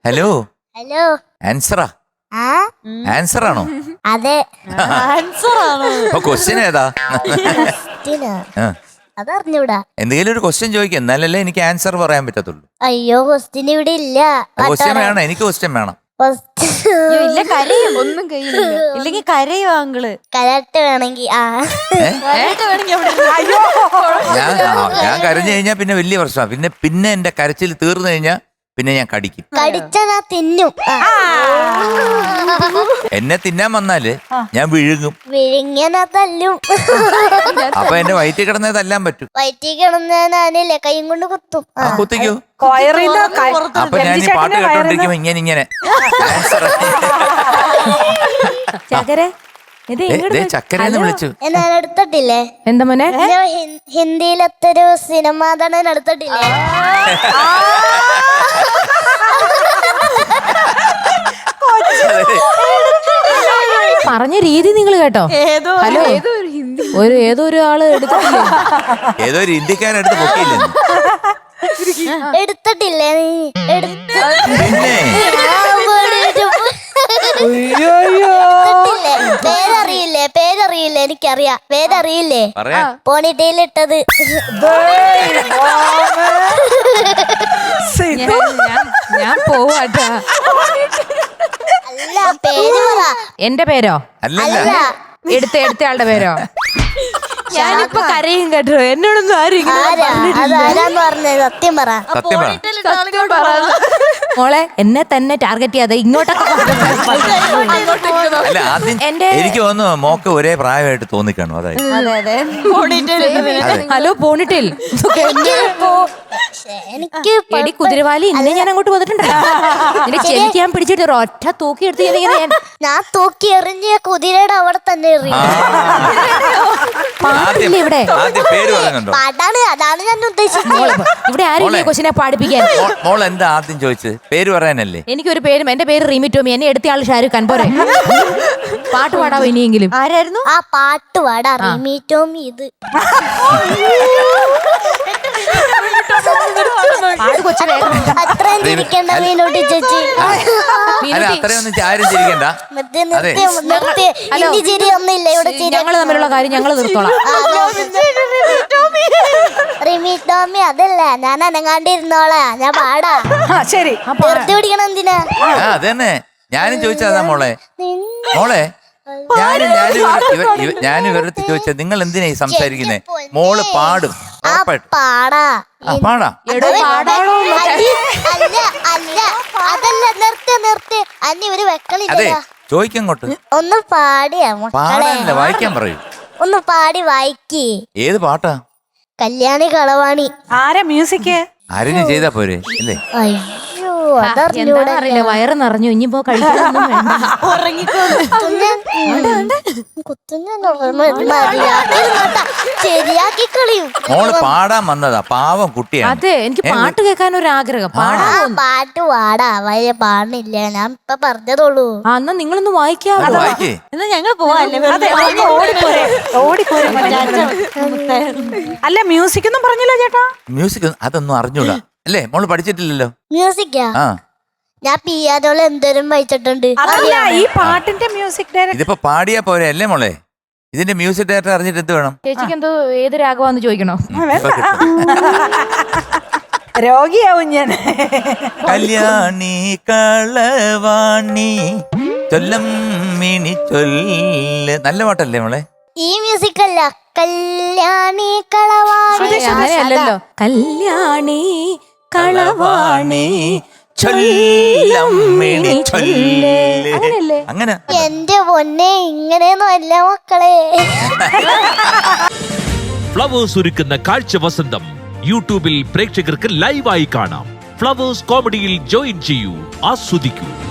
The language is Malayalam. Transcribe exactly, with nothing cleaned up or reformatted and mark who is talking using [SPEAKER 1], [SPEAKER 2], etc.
[SPEAKER 1] ഹലോ
[SPEAKER 2] ഹലോ
[SPEAKER 1] ആൻസറാ
[SPEAKER 2] ആ
[SPEAKER 1] ആൻസർ ആണോ?
[SPEAKER 2] അതെ
[SPEAKER 3] ആൻസർ ആണ്.
[SPEAKER 1] അപ്പൊ ക്വസ്റ്റ്യൻ ഏതാ?
[SPEAKER 2] ക്വസ്റ്റ്യനാ. അതറിഞ്ഞൂടാ.
[SPEAKER 1] എന്തെങ്കിലും ഒരു ക്വസ്റ്റ്യൻ ചോദിക്കും, എന്നാലല്ലേ എനിക്ക് ആൻസർ പറയാൻ പറ്റത്തുള്ളൂ.
[SPEAKER 2] അയ്യോ ക്വസ്റ്റ്യൻ ഇവിടെ ഇല്ല.
[SPEAKER 1] ക്വസ്റ്റ്യൻ വേണം, എനിക്ക് ക്വസ്റ്റ്യൻ വേണം.
[SPEAKER 3] അയ്യോ, ഇല്ല കരയും. ഒന്നും കയ്യിലില്ല. ഇല്ലെങ്കിൽ കരയോ അങ്കിള്?
[SPEAKER 2] കരാട്ടെ വേണമെങ്കിൽ ആ
[SPEAKER 3] കരയിട്ട് വേണമെങ്കിൽ അവിടെ ഇരുന്ന്. അയ്യോ
[SPEAKER 1] ഞാൻ ആ, ഞാൻ കരഞ്ഞു കഴിഞ്ഞാൽ പിന്നെ വലിയ പ്രശ്നമാണ്. പിന്നെ പിന്നെ എന്റെ കരച്ചിൽ തീർന്നു കഴിഞ്ഞാൽ പിന്നെ ഞാൻ കടിക്കും.
[SPEAKER 2] കടിച്ചാ ഞാൻ തിന്നും. ആ.
[SPEAKER 1] എന്നെ തിന്നാൻ വന്നാല് ഞാൻ വിഴുങ്ങും.
[SPEAKER 2] വിഴുങ്ങിയാ തല്ലും.
[SPEAKER 1] അപ്പൊ എന്റെ വയറ്റിൽ കിടന്നേ തല്ലാൻ പറ്റും.
[SPEAKER 2] വയറ്റിൽ കിടന്നാനില്ലേ കൈയും കൊണ്ട് കുത്തും.
[SPEAKER 1] ആ കുത്തിക്കോ. അപ്പൊ ഞാൻ ഈ പാട്ട് കേട്ടോണ്ടിരിക്കുമ്പോ ഇങ്ങനെ ഇങ്ങനെ ആൻസർ
[SPEAKER 4] ചക്കരെ ഇത്
[SPEAKER 1] ചക്കരന്ന് വിളിച്ചു.
[SPEAKER 2] ഞാൻ എടുത്തിട്ടില്ലേ?
[SPEAKER 4] എന്താ മോനെ?
[SPEAKER 2] ഞാൻ ഹി- ഹിന്ദിയിലത്തെ ഒരു സിനിമ നടൻ എടുത്തിട്ടില്ലേ?
[SPEAKER 4] പറഞ്ഞ രീതി നിങ്ങൾ കേട്ടോ?
[SPEAKER 3] ഏതോ
[SPEAKER 4] ഹലോ
[SPEAKER 3] ഏതോ ഒരു ഹിന്ദി
[SPEAKER 4] ഒരു ഏതോ ഒരു ആള് എടുത്തിട്ടില്ലേ?
[SPEAKER 1] ഏതോ ഒരു ഇന്ത്യക്കാരെടുത്ത് പൊക്കിയില്ലേ?
[SPEAKER 2] എടുത്തിട്ടില്ലേ നീ? എടുത്ത്
[SPEAKER 1] പിന്നെ
[SPEAKER 2] എടുത്തിട്ടില്ലേ? പേരറിയില്ലേ? പേരറിയില്ലേ? എനിക്കറിയാം. പേരറിയില്ലേ?
[SPEAKER 1] പറയാ
[SPEAKER 2] പോണിറ്റയിലിട്ടത്.
[SPEAKER 4] ഞാൻ പോവാട്ടാ.
[SPEAKER 2] അല്ല പേര് പറ.
[SPEAKER 4] എന്റെ പേരോ?
[SPEAKER 1] അല്ലല്ല
[SPEAKER 2] അല്ല
[SPEAKER 4] എടുത്ത എടുത്തയാളുടെ പേരോ? ഞാനിപ്പോ കരയും കേട്ടോ. എന്നോടൊന്നും ആരും ഇങ്ങനെ
[SPEAKER 2] ആരാ? അത് ആരാന്ന് പറഞ്ഞത്? സത്യം പറ.
[SPEAKER 1] സത്യം പറ.
[SPEAKER 4] സത്യം പറ. മോളെ എന്നെ തന്നെ ടാർഗറ്റ് ചെയ്യാതെ ഇങ്ങോട്ടൊക്കെ
[SPEAKER 1] അല്ല ആദ്യം
[SPEAKER 4] എന്റെ-
[SPEAKER 1] എനിക്ക് തോന്നുന്നു മോക്ക് ഒരേ പ്രായമായിട്ട് തോന്നിക്കാണു. അതായത്
[SPEAKER 3] അതെ അതെ
[SPEAKER 1] അതെ.
[SPEAKER 4] ഹലോ പോണിട്ടിൽ
[SPEAKER 2] ശ്ശെ, എനിക്ക്
[SPEAKER 4] എടി കുതിരവാലി ഇന്നെ ഞാൻ അങ്ങോട്ട് വന്നിട്ടുണ്ടല്ലോ. നിന്റെ ചെവിക്ക് ഞാൻ പിടിച്ചിട്ട് ഒരു ഒറ്റ തൂക്കി എടുത്ത് ഞാൻ ഇങ്ങനെ ഞാൻ
[SPEAKER 2] ഞാൻ തൂക്കി എറിഞ്ഞ കുതിരയുടെ അവിടെ തന്നെ എറിയും.
[SPEAKER 1] ആദ്യം
[SPEAKER 4] ഇവിടെ
[SPEAKER 1] ആദ്യം പേര് പറയുന്നുണ്ടോ?
[SPEAKER 2] പാട്ടാണ്. അതാണ് ഞാൻ ഉദ്ദേശിച്ചത്.
[SPEAKER 4] മോളെ ഇവിടെ ആരും
[SPEAKER 1] മോളെ.
[SPEAKER 4] കൊച്ചിനെ പാടിപ്പിക്കാൻ.
[SPEAKER 1] മോ- മോൾ എന്താ ആദ്യം ചോദിച്ചത്? പേര് പറയാനല്ലേ?
[SPEAKER 4] എനിക്കൊരു പേരും എന്റെ പേര് റീമി ടോമി. എന്നെ എടുത്ത ആള് ഷാരൂഖ് ഖാൻ. പോരെ പാട്ട് പാടാവോ ഇനിയെങ്കിലും?
[SPEAKER 3] ആരായിരുന്നു?
[SPEAKER 2] ആ പാട്ട് പാടാ. റിമി ടോമി ഇത്
[SPEAKER 4] പാട് കൊച്ചിനെ.
[SPEAKER 2] അത്രയും ചിരിക്കണ്ട മീനൂട്ടി ചേച്ചി.
[SPEAKER 1] അല്ല അത്രയൊന്നും ആരും ചിരിക്കണ്ട.
[SPEAKER 2] നിർത്തി നിർത്തി നിർത്തി.
[SPEAKER 4] ഹലോ.
[SPEAKER 2] ഇനി ചിരി ഒന്നില്ല ഇവിടെ. ചിരി
[SPEAKER 4] ഞങ്ങള് തമ്മിലുള്ള കാര്യം ഞങ്ങള് നിർത്തോളാം.
[SPEAKER 2] ആ, റിമി ടോമി അതല്ല. ഞാൻ അനങ്ങാണ്ടിരുന്നോളാ. ഞാൻ പാടാ.
[SPEAKER 3] ശരി
[SPEAKER 2] നിർത്തി പിടിക്കണം എന്തിനാ?
[SPEAKER 1] ആ അതന്നെ ഞാനും ചോദിച്ചതാ മോളെ.
[SPEAKER 2] നിന്നെ
[SPEAKER 1] മോളെ ഞാനും ഞാനും ഇവർ- ഇവർ- ഇവർ- ഞാനും ഇവരുടെ ചോദിച്ചത് നിങ്ങൾ എന്തിനാ ഈ സംസാരിക്കുന്നേ? മോള് പാടും
[SPEAKER 2] ആ
[SPEAKER 1] ഉറപ്പായിട്ടും.
[SPEAKER 2] പാടാ.
[SPEAKER 1] ആ പാടാ.
[SPEAKER 4] എടോ പാടാണോ?
[SPEAKER 2] അല്ല അല്ല അല്ല അതല്ല. നിർത്തി നിർത്തി. അന്നി ഒരു
[SPEAKER 1] അതെ
[SPEAKER 2] വെക്കളില്ല.
[SPEAKER 1] ചോദിക്കങ്ങോട്ട്.
[SPEAKER 2] ഒന്ന് പാടിയാ മക്കളെ.
[SPEAKER 1] പാടാനല്ല വായിക്കാൻ പറയൂ.
[SPEAKER 2] ഒന്ന് പാടി വായിക്കേ.
[SPEAKER 1] ഏത് പാട്ടാ?
[SPEAKER 2] കല്യാണി കളവാണി.
[SPEAKER 3] ആരാ മ്യൂസിക്?
[SPEAKER 1] ആരെങ്കിലും ചെയ്താ പോരെ അല്ലേ?
[SPEAKER 2] അയ്യോ
[SPEAKER 4] എന്താ
[SPEAKER 2] അതറിഞ്ഞൂടെ.
[SPEAKER 4] അറിയില്ല. വയറ് നിറഞ്ഞു. ഇനിയിപ്പോ കഴിക്കാനൊന്നും വേണ്ട.
[SPEAKER 2] ശരിയാക്കി കളയും.
[SPEAKER 1] മോള് പാടാൻ വന്നതാ. പാവം കുട്ടിയാണ്.
[SPEAKER 4] അതെ എനിക്ക് പാട്ട് കേൾക്കാൻ ഒരു ആഗ്രഹം.
[SPEAKER 2] ആ
[SPEAKER 4] പാടാൻ
[SPEAKER 2] പാട്ട് പാടാ. വയ പാടില്ല. ഞാൻ ഇപ്പൊ പറഞ്ഞതോളൂ.
[SPEAKER 4] ആ എന്നാ നിങ്ങളൊന്ന് വായിക്കാവോ?
[SPEAKER 1] അത് വായിക്കേ.
[SPEAKER 3] എന്നാ ഞങ്ങൾ പോവാല്ലേ? ഓടിപ്പോരെ ഓടിപ്പോരെ. അല്ല മ്യൂസിക് ഒന്നും പറഞ്ഞില്ല ചേട്ടാ.
[SPEAKER 1] മ്യൂസിക് അതൊന്നും അറിഞ്ഞൂടാ അല്ലേ? മോള് പഠിച്ചിട്ടില്ലല്ലോ.
[SPEAKER 2] മ്യൂസിക്കാ
[SPEAKER 1] ആ
[SPEAKER 2] ഞാൻ പിയാനോള് എന്തോരം വായിച്ചിട്ടുണ്ട്.
[SPEAKER 3] അതല്ല ഈ പാട്ടിന്റെ മ്യൂസിക് ഡയറക്ടർ.
[SPEAKER 1] ഇതിപ്പോ പാടിയാ പോരെ അല്ലേ മോളെ? ഇതിന്റെ മ്യൂസിക് ഡയറക്ടർ അറിഞ്ഞിട്ട് എന്ത് വേണം?
[SPEAKER 4] ചേച്ചിക്ക് എന്തോ ഏത് രാഗമാന്ന് ചോദിക്കണോ?
[SPEAKER 1] ഇപ്പൊ കിട്ടും.
[SPEAKER 3] രോഗിയാവും ഞാൻ.
[SPEAKER 1] കല്യാണി കളവാണി ചൊല്ലം മിനി ചൊല്ല്. നല്ല പാട്ടല്ലേ മോളെ?
[SPEAKER 2] ഈ മ്യൂസിക് അല്ല. കല്യാണി കളവാണി.
[SPEAKER 4] അങ്ങനെയല്ലല്ലോ. കല്യാണി കളവാണി
[SPEAKER 1] ചൊല്ലം മിനി ചൊല്ല്.
[SPEAKER 4] അങ്ങനെയല്ലേ?
[SPEAKER 1] അങ്ങനെ
[SPEAKER 2] എന്റെ പൊന്നെ ഇങ്ങനെയൊന്നും അല്ല മക്കളെ.
[SPEAKER 5] ഫ്ലവേഴ്സ് ഒരുക്കുന്ന കാഴ്ച വസന്തം യൂട്യൂബിൽ പ്രേക്ഷകർക്ക് ലൈവായി കാണാം. ഫ്ലവേഴ്സ് കോമഡിയിൽ ജോയിൻ ചെയ്യൂ, ആസ്വദിക്കൂ.